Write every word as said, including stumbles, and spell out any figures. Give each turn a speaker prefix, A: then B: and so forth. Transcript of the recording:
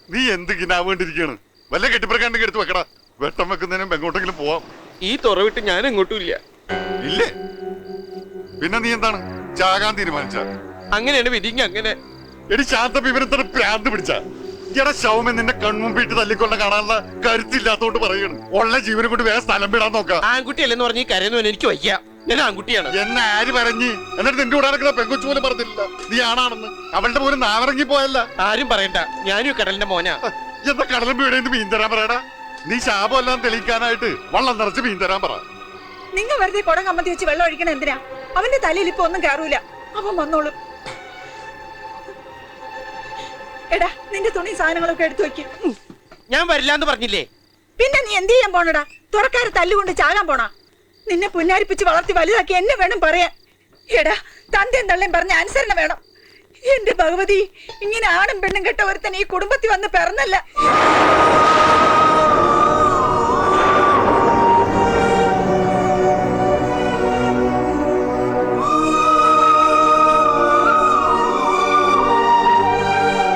A: നീ എന്തിനാ വേണ്ടിരിക്കാണ്? വല്ല കെട്ടിപ്പറക്കാണ്ടെങ്കിൽ എടുത്ത് വെക്കടാ. വെട്ടം വെക്കുന്നതിനും എങ്ങോട്ടെങ്കിലും പോവാം.
B: ഈ തുറവിട്ട് ഞാൻ എങ്ങോട്ടും ഇല്ല.
A: ഇല്ലേ? പിന്നെ നീ എന്താണ് ചാകാൻ തീരുമാനിച്ച?
B: അങ്ങനെയാണ് വിധിങ്ങ. അങ്ങനെ
A: എടി ശാന്ത വിവരത്തിന് പ്രാന്ത് പിടിച്ച എടാ ശവമൻ നിന്നെ കൺമുമ്പിട്ട് തല്ലിക്കൊണ്ട കാണാനുള്ള കരുത്തില്ലാത്തോണ്ട് പറയണ്. ഉള്ള ജീവനെ കൊണ്ട് വേറെ സ്ഥലം വിടാൻ നോക്കാം.
B: ആൺകുട്ടിയല്ലെന്ന് പറഞ്ഞ് ഈ കരയൊന്നും എനിക്ക് വയ്യ. ഞാൻ ആൺകുട്ടിയാണ്.
A: എന്നെ ആര് പറഞ്ഞ്? എന്നിട്ട് നിന്റെ കൂടെ നടക്കുന്ന പെങ്കൊച്ചു പോലും പറഞ്ഞില്ല നീ ആണാണെന്ന്. അവളുടെ പോലും നാവിറങ്ങി പോയല്ല.
B: ആരും പറയണ്ട, ഞാനും കടലിന്റെ മോനാ.
A: എന്താ കടലും വീടേന്ന് മീൻ തരാൻ പറയടാ. നീ ശാപം എല്ലാം തെളിയിക്കാനായിട്ട് വള്ളം നിറച്ച് മീൻ തരാൻ പറ.
C: നിങ്ങൾ വെറുതെ കുടം കമ്മത്തി വെച്ച് വെള്ളം ഒഴിക്കണ എന്തിനാ? അവന്റെ തലയിൽ ഇപ്പൊ ഒന്നും കയറൂല. അവൻ വന്നോളും. എടാ നിന്റെ തുണി സാധനങ്ങളൊക്കെ എടുത്തു വെക്കും.
B: ഞാൻ വരില്ലാന്ന് പറഞ്ഞില്ലേ?
C: പിന്നെ നീ എന്ത് ചെയ്യാൻ പോണടാ? തുറക്കാരെ തല്ലുകൊണ്ട് ചാകാൻ പോണാ? നിന്നെ പുന്നാരിപ്പിച്ച് വളർത്തി വലുതാക്കി എന്നെ വേണം പറയാൻ. എടാ തന്തയും തള്ളയും പറഞ്ഞ അനുസരണ വേണം. എന്റെ ഭഗവതി, ഇങ്ങനെ ആണും പെണ്ണും കെട്ട ഒരുത്തൻ ഈ കുടുംബത്തിൽ വന്ന് പിറന്നല്ല.